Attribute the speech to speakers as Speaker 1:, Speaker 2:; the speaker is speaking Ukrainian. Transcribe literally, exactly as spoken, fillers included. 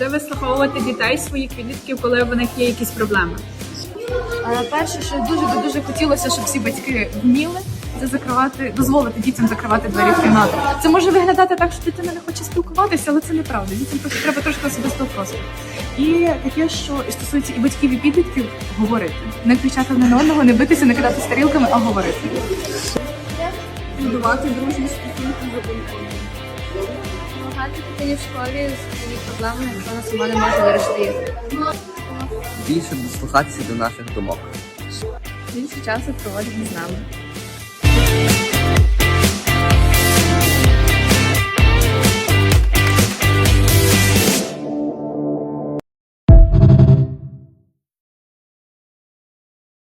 Speaker 1: вислуховувати дітей, своїх підлітків, коли в них є якісь проблеми?
Speaker 2: Перше, що дуже би дуже хотілося, щоб всі батьки вміли, це закривати, дозволити дітям закривати двері в кімнату. Це може виглядати так, що дитина не хоче спілкуватися, але це неправда. Дітям просто треба трошки особистого простору. І таке, що стосується і батьків, і підлітків, говорити. Не кричати одне на одного, не битися, не кидати тарілками, а говорити.
Speaker 1: Будувати дружні стосунки з дитиною.
Speaker 3: Допомагати дитині в школі з її проблемами, якщо вона сама не може вирішити їх.
Speaker 4: Більше дослухатися до наших думок.
Speaker 3: Більше часу проводити з нами.